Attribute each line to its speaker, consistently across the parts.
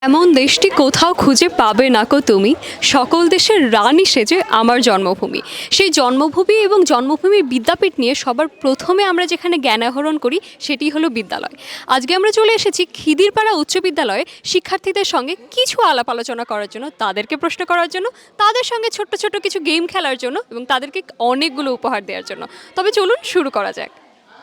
Speaker 1: এমন দেশটি কোথাও খুঁজে পাবে না কো তুমি, সকল দেশের রানী সেজে আমার জন্মভূমি। সেই জন্মভূমি এবং জন্মভূমির বিদ্যাপীঠ নিয়ে সবার প্রথমে আমরা যেখানে জ্ঞান আহরণ করি সেটি হলো বিদ্যালয়। আজকে আমরা চলে এসেছি খিদিরপাড়া উচ্চ বিদ্যালয়ে শিক্ষার্থীদের সঙ্গে কিছু আলাপ আলোচনা করার জন্য, তাদেরকে প্রশ্ন করার জন্য, তাদের সঙ্গে ছোট্ট ছোট্ট কিছু গেম খেলার জন্য এবং তাদেরকে অনেকগুলো উপহার দেওয়ার জন্য। তবে চলুন শুরু করা যাক।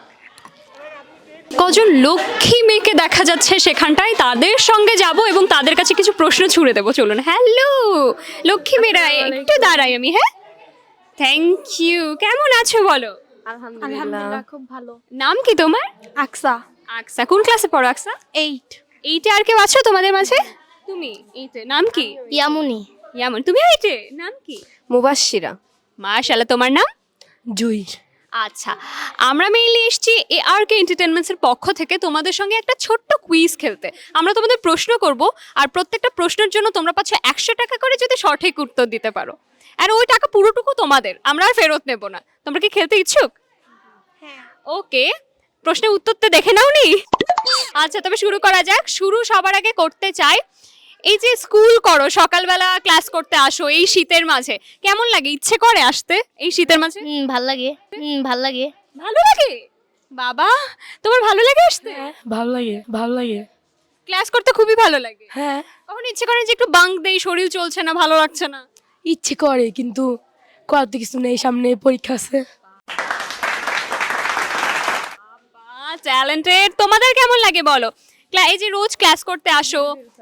Speaker 1: কজন লক্ষ্মী মেয়েকে দেখা যাচ্ছে সেখানটায়, তাদের সঙ্গে যাব এবং তাদের কাছে কিছু প্রশ্ন ছুড়ে দেবো। চলুন। হ্যালো লক্ষ্মী মেয়েরা, একটু দাঁড়াই আমি। হ্যাঁ, থ্যাংক ইউ। কেমন আছো বলো?
Speaker 2: আলহামদুলিল্লাহ খুব ভালো।
Speaker 1: নাম কি তোমার?
Speaker 2: আকসা।
Speaker 1: আকসা। কোন ক্লাসে পড়ো আকসা?
Speaker 2: 8।
Speaker 1: এইটে। আর কেউ আছো তোমাদের মাঝে? তুমি এইটে। নাম কি?
Speaker 2: ইয়ামুনি।
Speaker 1: ইয়ামন। তুমি এইটে। নাম কি?
Speaker 3: মুবাশশিরা।
Speaker 1: মাশাআল্লাহ। তোমার নাম?
Speaker 3: জুই।
Speaker 1: আচ্ছা, আমরা মেইনলি এসেছি ARK এন্টারটেনমেন্টসের পক্ষ থেকে তোমাদের সঙ্গে একটা ছোট্ট কুইজ খেলতে। আমরা তোমাদের প্রশ্ন করব আর প্রত্যেকটা প্রশ্নের জন্য তোমরা পাচ্ছ 100 টাকা করে যদি সঠিক উত্তর দিতে পারো। আর ওই টাকা পুরোটুকু তোমাদের, আমরা আর ফেরত নেব না। তোমরা কি খেলতে ইচ্ছুক? হ্যাঁ। ওকে, প্রশ্নের উত্তর তো দেখে নাওনি? আচ্ছা, তবে শুরু করা যাক। শুরু সবার আগে করতে চাই, এই যে স্কুল করো, সকালবেলা ক্লাস করতে আসো এই শীতের মাঝে, কেমন লাগে? ইচ্ছে করে আসতে এই শীতের মাঝে?
Speaker 2: ভাল লাগে। ভাল লাগে।
Speaker 1: ভালো লাগে? বাবা, তোমার ভালো লাগে আসতে?
Speaker 3: ভালো লাগে, ভালো লাগে।
Speaker 1: ক্লাস করতে খুবই ভালো লাগে?
Speaker 3: হ্যাঁ,
Speaker 1: কখন ইচ্ছে করে যে একটু বাঙ্ক দেই, শরীর চলছে না, ভালো লাগছে না?
Speaker 3: ইচ্ছে করে কিন্তু করার তো কিছু নেই, সামনে পরীক্ষা আছে।
Speaker 1: ট্যালেন্টেড। তোমাদের কেমন লাগে বলো? এই যে রোজ ক্লাস করতে আসো,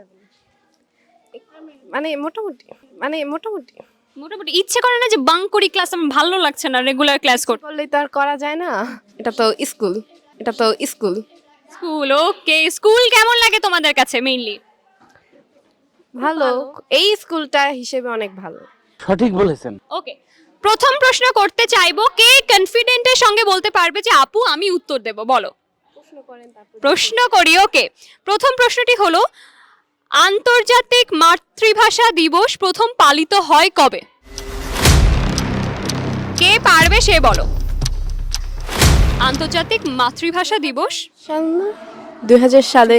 Speaker 3: মোটামুটি
Speaker 1: মোটামুটি ইচ্ছে করে না যে বাঙ্ক করি ক্লাস, আমার ভালো লাগছে না রেগুলার ক্লাস করতে?
Speaker 3: করলেই তো আর করা যায় না, এটা তো স্কুল।
Speaker 1: স্কুল। ওকে, স্কুল কেমন লাগে তোমাদের কাছে? মেইনলি
Speaker 3: ভালো, এই স্কুলটা হিসেবে অনেক ভালো।
Speaker 4: সঠিক বলেছেন।
Speaker 1: ওকে, প্রথম প্রশ্ন করতে চাইবো, কে কনফিডেন্টের সঙ্গে বলতে পারবে যে আপু আমি উত্তর দেব? বলো। প্রশ্ন করি। ওকে, প্রথম প্রশ্নটি হলো, আন্তর্জাতিক মাতৃভাষা দিবস প্রথম পালিত হয় কবে? কে পারবে সে বলো। আন্তর্জাতিক মাতৃভাষা দিবস
Speaker 3: 2000 সালে।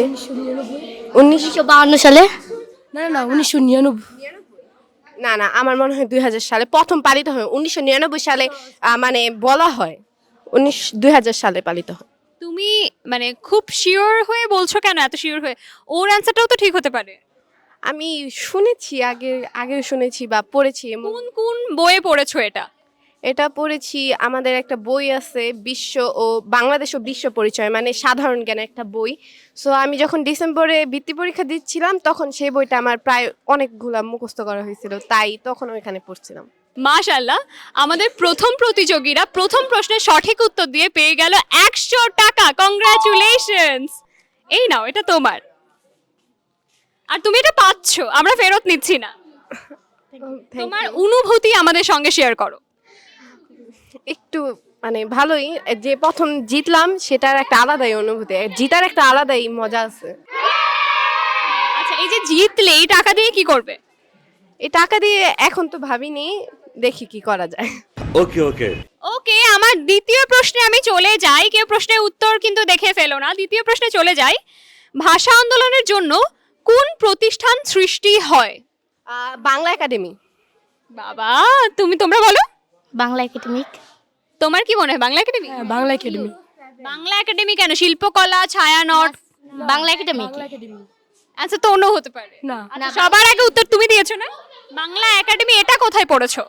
Speaker 2: 1952 সালে।
Speaker 3: না 1999। না, আমার মনে হয় 2000 সালে প্রথম পালিত হয়। 1999 সালে মানে বলা হয় 2000 সালে পালিত হয়।
Speaker 1: তুমি মানে খুব শিওর হয়ে বলছো কেন? এত শিওর হয়ে? ওর অ্যান্সারটাও তো ঠিক হতে পারে।
Speaker 3: আমি শুনেছি, আগে শুনেছি বা পড়েছি।
Speaker 1: কোন কোন বইয়ে পড়েছো এটা?
Speaker 3: এটা পড়েছি, আমাদের একটা বই আছে বিশ্ব ও বাংলাদেশ ও বিশ্ব পরিচয়, মানে সাধারণ জ্ঞানের একটা বই। সো আমি যখন ডিসেম্বরে বৃত্তি পরীক্ষা দিচ্ছিলাম তখন সেই বইটা আমার প্রায় অনেকগুলা মুখস্থ করা হয়েছিল, তাই তখন ওইখানে পড়ছিলাম।
Speaker 1: মাশাআল্লাহ, আমাদের প্রথম প্রতিযোগীরা প্রথম প্রশ্নের সঠিক উত্তর দিয়ে পেয়ে গেল 100 টাকা। কংগ্রাচুলেশনস। এই নাও, এটা তোমার। আর তুমি এটা পাচ্ছো, আমরা ফেরত নিচ্ছি না। তোমার অনুভূতি আমাদের সঙ্গে শেয়ার করো।
Speaker 3: একটু মানে ভালোই, যে প্রথম জিতলাম সেটার একটা আলাদাই অনুভূতি, জিতার একটা আলাদাই মজা আছে।
Speaker 1: আচ্ছা, এই যে জিতলে এই টাকা দিয়ে কি করবে?
Speaker 3: এই টাকা দিয়ে এখন তো ভাবিনি, দেখি কি করা যায়।
Speaker 1: ওকে, আমার দ্বিতীয় প্রশ্নে আমি চলে যাই। কেউ প্রশ্নের উত্তর কিন্তু দেখে ফেলো না। দ্বিতীয় প্রশ্নে চলে যাই, ভাষা আন্দোলনের জন্য কোন প্রতিষ্ঠান সৃষ্টি হয়?
Speaker 3: বাংলা একাডেমি।
Speaker 1: বাবা, তোমরা বলো।
Speaker 2: বাংলা একাডেমিক।
Speaker 1: তোমার কি মনে হয়? Bangla Academy?
Speaker 3: Bangla Academy.
Speaker 1: Bangla Academy কেন? শিল্পকলা, ছায়ানট?
Speaker 2: বাংলা একাডেমিক।
Speaker 1: আচ্ছা, তো অন্য হতে পারে
Speaker 3: না।
Speaker 1: আচ্ছা, সবার আগে উত্তর তুমি দিয়েছো না? বাংলা একাডেমি এটা কোথায় পড়েছো?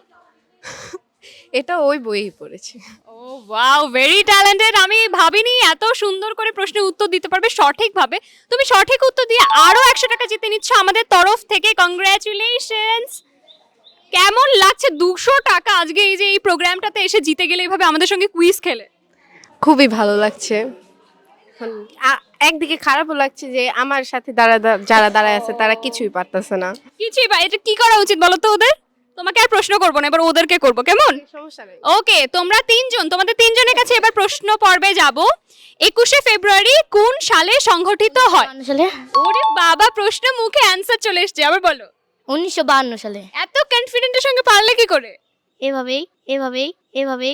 Speaker 3: এটা ওই বইই পড়েছি।
Speaker 1: ও ওয়াও, ভেরি ট্যালেন্টেড। আমি ভাবিনি এত সুন্দর করে প্রশ্নের উত্তর দিতে পারবে সঠিকভাবে। তুমি সঠিক উত্তর দিয়ে আরো 100 টাকা জিতে নিচ্ছ আমাদের তরফ থেকে। কংগ্রাচুলেশনস। কেমন লাগছে 200 টাকা আজকে এই যে এই প্রোগ্রামটাতে এসে জিতে গেলে এইভাবে আমাদের সঙ্গে কুইজ খেলে?
Speaker 3: খুবই ভালো লাগছে। এখন একদিকে খারাপও লাগছে যে আমার সাথে যারা দাঁড়ায় আছে তারা কিছুই পারতেছে না।
Speaker 1: কিছুই বা এটা কি করা উচিত বলো তো ওদের? তোমাকে আর প্রশ্ন করবো না, এবার ওদেরকে করবো, কেমন?
Speaker 3: সমস্যা নেই।
Speaker 1: ওকে, তোমরা তিনজন, তোমাদের তিনজনের কাছে এবার প্রশ্ন পর্বে যাব। 21শে ফেব্রুয়ারি কোন সালে সংঘটিত হয়?
Speaker 2: 52 সালে।
Speaker 1: ওরে বাবা, প্রশ্ন মুখে অ্যানসার চলে এসেছে, আবার বলো।
Speaker 2: 1952 সালে।
Speaker 1: এত কনফিডেন্টের সঙ্গে পারলে কি করে?
Speaker 2: এভাবেই।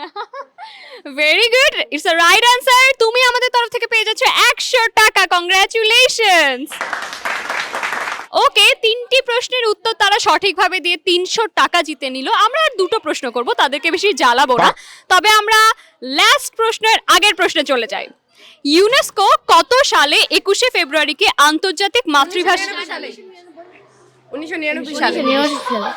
Speaker 1: Very good, it's a right answer. তুমি আমাদের তরফ থেকে পেয়ে যাচ্ছ 100 টাকা। কংগ্রাচুলেশনস। ওকে, 3টি প্রশ্নের উত্তর তারা সঠিকভাবে দিয়ে 300 টাকা জিতে নিল। আমরা আর দুটো প্রশ্ন করব, তাদেরকে বেশি জ্বালাবো না। তবে আমরা লাস্ট প্রশ্নের আগের প্রশ্নে চলে যাই। ইউনেস্কো কত সালে 21শে ফেব্রুয়ারিকে আন্তর্জাতিক মাতৃভাষা
Speaker 3: 1999 সালে।
Speaker 2: 1999 সালে।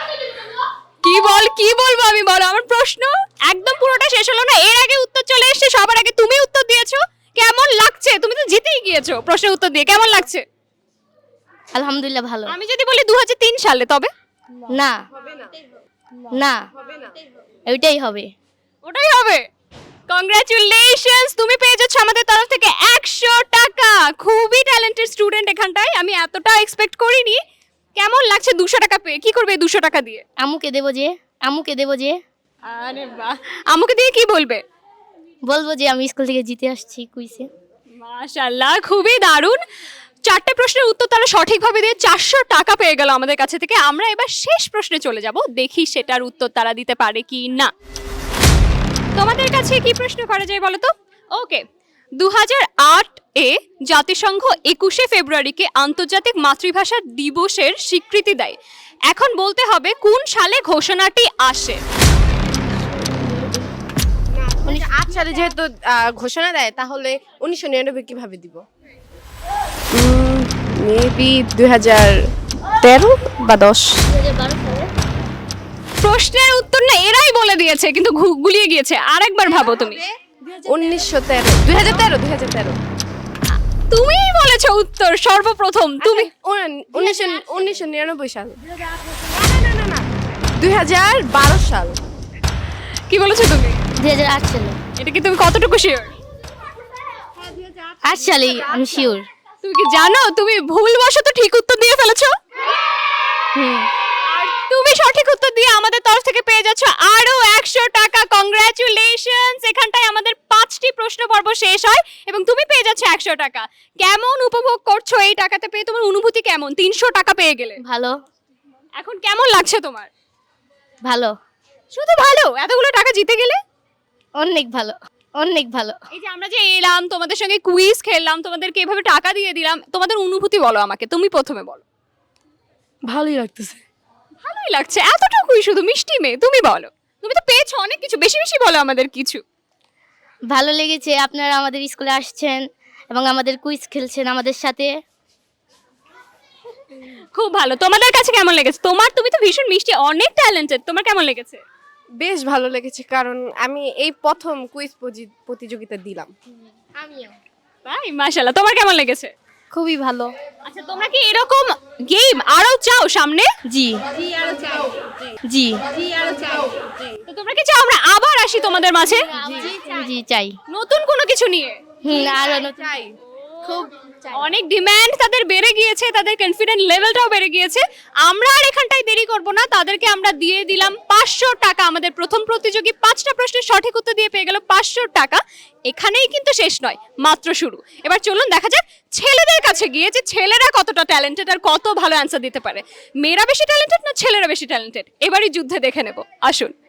Speaker 1: কি বলবো আমি, বলো আমার প্রশ্ন একদম পুরোটা শেষ হলো না, এর আগে উত্তর চলে এসেছে, সবার আগে তুমি উত্তর দিয়েছো। কেমন লাগছে? তুমি তো জিতেই গিয়েছো প্রশ্নের উত্তর দিয়ে, কেমন লাগছে?
Speaker 2: আলহামদুলিল্লাহ ভালো।
Speaker 1: আমি যদি বলি 2003 সালে, তবে
Speaker 2: না না ওইটাই হবে।
Speaker 1: ওটাই হবে। কংগ্রাচুলেশনস, তুমি পেয়ে যাচ্ছ আমাদের তরফ থেকে 100 টাকা। খুবই ট্যালেন্টেড স্টুডেন্ট এখানটায়, আমি এতটা এক্সপেক্ট করিনি। কেমন লাগছে 200 টাকা পেয়ে? কি করবে 200 টাকা দিয়ে?
Speaker 2: আম্মুকে দেবো যে
Speaker 1: আরে বাহ, আমাকে দিয়ে কি বলবে?
Speaker 2: বলবো যে আমি স্কুল থেকে জিতে আসছি কুইজে।
Speaker 1: মাশাআল্লাহ, খুবই দারুণ। 4টে প্রশ্নের উত্তর তারা সঠিকভাবে দিয়ে 400 টাকা পেয়ে গেল আমাদের কাছে থেকে। আমরা এবার শেষ প্রশ্নে চলে যাব, দেখি সেটার উত্তর তারা দিতে পারে কি না। তোমাদের কাছে কি প্রশ্ন করা যায় বলো তো? ওকে, 2008 এ জাতিসংঘ 21শে ফেব্রুয়ারিকে আন্তর্জাতিক মাতৃভাষা দিবসের স্বীকৃতি দেয়। এখন বলতে হবে কোন সালে ঘোষণাটি আসে।
Speaker 3: 2008 সালে যেহেতু ঘোষণা দেয়, তাহলে 1999 কিভাবে দিব? মেবি 2013 বা 10।
Speaker 2: 2012 সালে।
Speaker 1: প্রশ্নের উত্তর না এরাই বলে দিয়েছে, কিন্তু গুলিয়ে গিয়েছে। আরেকবার ভাবো তুমি।
Speaker 3: 1913 2013
Speaker 1: তুমিই বলেছো উত্তর সর্বপ্রথম তুমি।
Speaker 3: 1999 সাল। না 2012 সাল।
Speaker 1: কি বলেছো তুমি?
Speaker 2: 2008 সালে।
Speaker 1: এটা কি তুমি কতটুকু শিওর?
Speaker 2: 8 সালেই আমি শিওর।
Speaker 1: তুমি কি জানো তুমি ভুলবশত ঠিক উত্তর দিয়ে ফেলেছো? আর তুমি সঠিক উত্তর দিয়ে আমাদের তরফ থেকে পেয়ে যাচ্ছ আরো 100 টাকা। কংগ্রাচুলেশনস, এখানটায় আমাদের 5টি প্রশ্ন পর্ব শেষ হয় এবং তুমি পেয়ে যাচ্ছ 100 টাকা। কেমন উপভোগ করছো এই টাকাতে পেয়ে? তোমার অনুভূতি কেমন? 300 টাকা পেয়ে গেলে
Speaker 2: ভালো
Speaker 1: এখন কেমন লাগছে তোমার?
Speaker 2: ভালো
Speaker 1: শুধু ভালো? এতগুলো টাকা জিতে গেলে
Speaker 2: অনেক ভালো অনেক ভালো।
Speaker 1: এই যে আমরা যে এলাম তোমাদের সঙ্গে কুইজ খেললাম, তোমাদেরকে এভাবে টাকা দিয়ে দিলাম, তোমাদের অনুভূতি বলো আমাকে। তুমি প্রথমে বলো।
Speaker 3: ভালোই লাগতেছে।
Speaker 1: ভালোই লাগছে, এতটুকুই শুধু মিষ্টি মেয়ে। তুমি বলো, তুমি তো পেয়েছো অনেক কিছু, বেশি বেশি বলো আমাদের কিছু।
Speaker 2: ভালো লেগেছে আপনারা আমাদের স্কুলে আসছেন এবং আমাদের কুইজ খেলছেন আমাদের সাথে।
Speaker 1: খুব ভালো। তোমাদের কাছে কেমন লেগেছে? তুমি তো ভীষণ মিষ্টি, অনেক ট্যালেন্টেড, তোমার কেমন লেগেছে?
Speaker 3: বেশ ভালো লেগেছে, কারণ আমি এই প্রথম কুইজ প্রতিযোগিতা দিলাম।
Speaker 2: আমিও।
Speaker 1: তাই? মাশাআল্লাহ, তোমার কেমন লেগেছে?
Speaker 2: খুবই ভালো।
Speaker 1: আচ্ছা, তোমরা কি এরকম গেম আরো চাও সামনে?
Speaker 2: জি জি
Speaker 1: তো তোমরা কি চাও আমরা আবার আসি তোমাদের মাঝে
Speaker 2: জি চাই।
Speaker 1: নতুন কোনো কিছু নিয়ে?
Speaker 2: আরো
Speaker 3: চাই।
Speaker 2: খুব
Speaker 1: অনেক ডিমান্ড তাদের বেড়ে গিয়েছে, তাদের কনফিডেন্ট লেভেলটাও বেড়ে গিয়েছে। আমরা আর এখানটায় দেরি করব না, তাদেরকে আমরা দিয়ে দিলাম 500 টাকা। আমাদের প্রথম প্রতিযোগী 5টা প্রশ্নের সঠিক উত্তর দিয়ে পেয়ে গেল 500 টাকা। এখানেই কিন্তু শেষ নয়, মাত্র শুরু। এবার চলুন দেখা যাক ছেলেদের কাছে গিয়ে যে ছেলেরা কতটা ট্যালেন্টেড আর কত ভালো অ্যান্সার দিতে পারে। মেয়েরা বেশি ট্যালেন্টেড না ছেলেরা বেশি ট্যালেন্টেড? এবারই যুদ্ধে দেখে নেব, আসুন।